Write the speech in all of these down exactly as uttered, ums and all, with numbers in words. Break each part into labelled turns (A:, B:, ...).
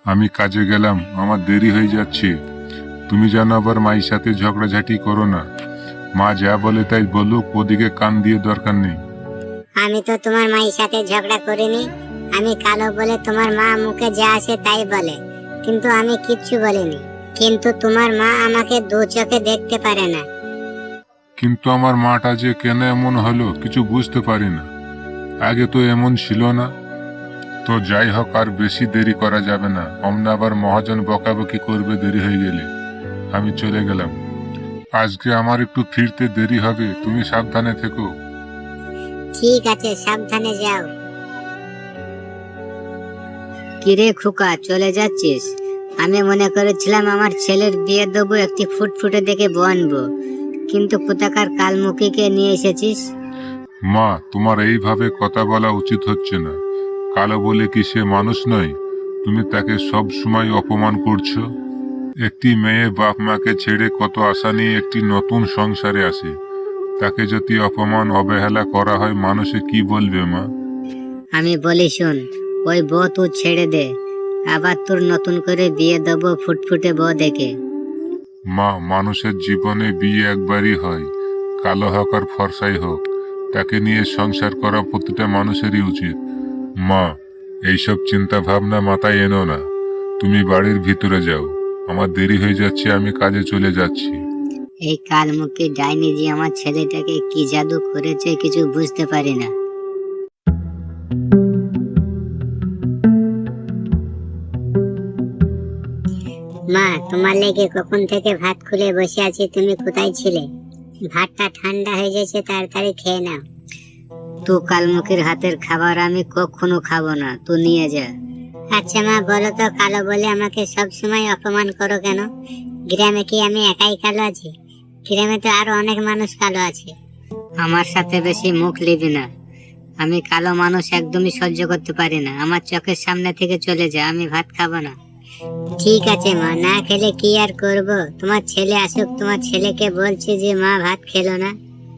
A: আমি কাজে গেলাম, আমার দেরি হয়ে যাচ্ছে। তুমি যেন আবার মায়ের সাথে ঝগড়াঝাটি করো না। মা যা বলে তাই বলুক, ওদিকে কান দিয়ে দরকার নেই।
B: আমি তো তোমার মায়ের সাথে ঝগড়া করিনি। আমি কালো বলে তোমার মা মুখে যা আসে তাই বলে, কিন্তু আমি কিচ্ছু বলিনি। কিন্তু তোমার মা আমাকে দু চোখে দেখতে পারে না।
A: কিন্তু আমার মাটা যে কেন এমন হলো কিছু বুঝতে পারি না। আগে তো এমন ছিল না। তো যাই হোক, আর বেশি দেরি করা যাবে না, অমনা আবার মহাজন বকাবকি করবে দেরি হয়ে গেলে। আমি চলে গেলাম। আজকে আমার একটু ফিরতে দেরি হবে, তুমি সাবধানে থেকো।
B: ঠিক আছে, সাবধানে যাও।
C: কিরে খোকা, চলে যাচ্ছিস? আমি মনে করেছিলাম আমার ছেলের বিয়ে দেবো, একটি ফুটফুটে দেখে বউ আনবো, কিন্তু কোথাকার কালমুখীকে নিয়ে এসেছিস।
A: মা, তোমার এইভাবে কথা বলা উচিত হচ্ছে না। কালো বলে কি সে মানুষ নয়? তুমি তাকে সব সময় অপমান করছো। একটি মেয়ে বাপ মাকে ছেড়ে কত আশা নিয়ে একটি নতুন সংসারে আসে, তাকে যদি অপমান অবহেলা করা হয়, মানুষে কি বলবে মা?
C: আমি বলি শোন, ওই বউ তুই ছেড়ে দে, আবার তোর নতুন করে বিয়ে দেবো ফুটফুটে বউ দেখে।
A: মা, মানুষের জীবনে বিয়ে একবারই হয়, কালো হোক আর ফর্সাই হোক, তাকে নিয়ে সংসার করা প্রতিটা মানুষেরই উচিত। মা, এইসব চিন্তা ভাবনা মাথায় এনো না। তুমি বাড়ির ভিতরে যাও, আমার দেরি হয়ে যাচ্ছে, আমি কাজে চলে যাচ্ছি।
C: এই কালমুখী ডাইনি যে আমার ছেলেটাকে কি জাদু করেছে কিছু বুঝতে পারি না।
B: মা, তোমার লেগে কখন থেকে ভাত খুলে বসে আছি, তুমি কোথায় ছিলে? ভাতটা ঠান্ডা হয়ে গেছে, তাড়াতাড়ি খেয়ে নাও।
C: তো কালমুখীর হাতের খাবার আমি কখনো খাবো না, তুই নিয়ে যা।
B: আচ্ছা মা, বলো তো, কালো বলে আমাকে সব সময় অপমান করো কেন? গ্রামে কি আমি একাই কালো আছি? গ্রামে তো আরো অনেক মানুষ কালো আছে।
C: আমার সাথে বেশি মুখ লিবি না। আমি কালো মানুষ একদমই সহ্য করতে পারি না। আমার চোখের সামনে থেকে চলে যা, আমি ভাত খাবো না।
B: ঠিক আছে মা, না খেলে কি আর করব? তোমার ছেলে আসুক, তোমার ছেলেকে বলছি যে মা ভাত খেলো না।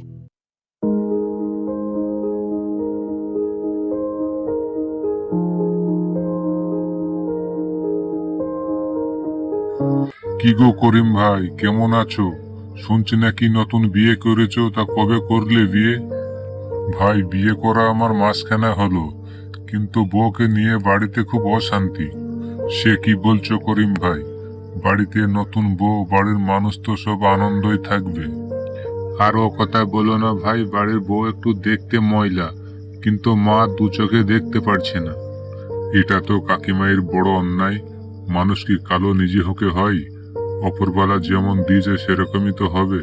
A: কি গো করিম ভাই, কেমন আছো? শুনছি নাকি নতুন বিয়ে করেছো, তা কবে করলে বিয়ে? ভাই, বিয়ে করা আমার মাসখানা হলো, কিন্তু বউকে নিয়ে বাড়িতে খুব অশান্তি। সে কি বলছো করিম ভাই? বাড়িতে নতুন বউ, বাড়ির মানুষ তো সব আনন্দই থাকবে। আর ও কথা বলো না ভাই, বাড়ির বউ একটু দেখতে ময়লা, কিন্তু মা দু চোখে দেখতে পারছে না। এটা তো কাকিমায়ের বড় অন্যায়। মানুষ কি কালো নিজে হকে হয়? অপরবেলা যেমন দিয়েছে সেরকমই তো হবে।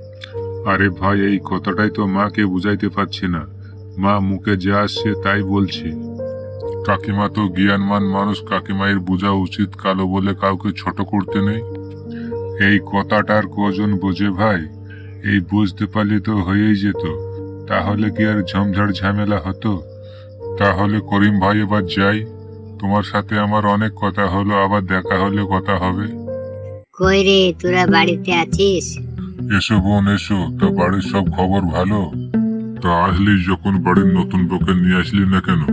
A: আরে ভাই, এই কথাটাই তো মাকে বুঝাইতে পারছি না। মা মুখে যা আসছে তাই বলছে। কাকিমা তো জ্ঞানমান মানুষ, কাকিমায়ের বোঝা উচিত কালো বলে কাউকে ছোট করতে নেই। এই কথাটার কজন বোঝে ভাই? এই বুঝতে পারলে তো হয়েই যেত, তাহলে কি আর ঝমঝাড় ঝামেলা হতো? তাহলে করিম ভাই এবার যাই, তোমার সাথে আমার অনেক কথা হলো, আবার দেখা হলে কথা হবে।
C: কই রে, তোরা বাড়িতে আছিস?
A: এসো বোন এসো, তা বাড়ির সব খবর ভালো? তা আসলি যখন, বাড়ির নতুন বউকে নিয়ে আসলি না কেন?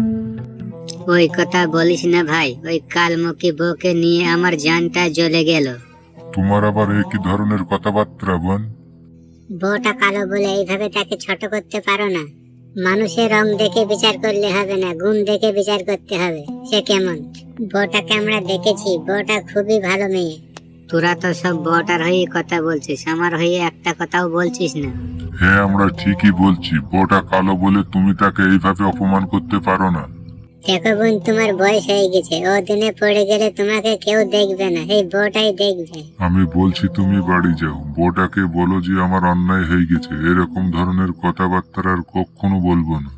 C: ওই কথা বলিস না ভাই, ওই কালমুখী বউকে নিয়ে আমার জানটা জ্বলে গেল।
A: তোমার আবার এই কি ধরনের কথাবার্তা বোন?
B: বউটা কালো বলে এইভাবে তাকে ছোট করতে পারো না। মানুষের রং দেখে বিচার করলে হবে না, গুণ দেখে বিচার করতে হবে। সে কেমন? বউটাকে আমরা দেখেছি, বউটা খুবই ভালো মেয়ে।
C: তোরা তো সব বউটার হয়ে কথা বলছিস, আমার হয়ে একটা কথাও বলছিস না।
A: হ্যাঁ, আমরা ঠিকই বলছি, বউটা কালো বলে তুমি তাকে এইভাবে অপমান করতে পারো না।
B: দেখো বোন, তোমার বয়স হয়ে গেছে, ও দিনে পড়ে গেলে তোমাকে কেউ দেখবে না, এই বউটাই দেখবে।
A: আমি বলছি তুমি বাড়ি যাও, বউটাকে বলো যে আমার অন্যায় হয়ে গেছে, এরকম ধরনের কথাবার্তা আর কখনো বলবো না।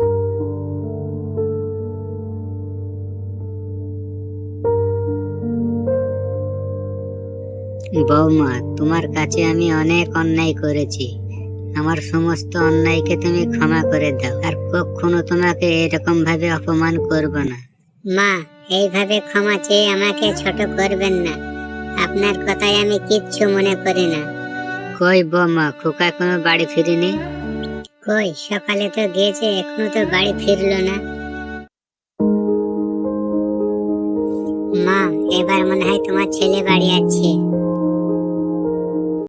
C: বৌমা, তোমার কাছে আমি অনেক অন্যায় করেছি, আমার সমস্ত অন্যায়কে তুমি ক্ষমা করে দাও, আর কখনো তোমাকে এরকম ভাবে অপমান করব না।
B: মা, এইভাবে ক্ষমা চেয়ে আমাকে ছোট করবেন না, আপনার কথায় আমি কিচ্ছু মনে করি না।
C: কই বৌমা, খোকা কোনো বাড়ি ফিরেনি?
B: কই, সকালে তো গিয়েছে, এখনো তো বাড়ি ফিরলো না। মা, এবার মনে হয় তোমার ছেলে বাড়ি আছে।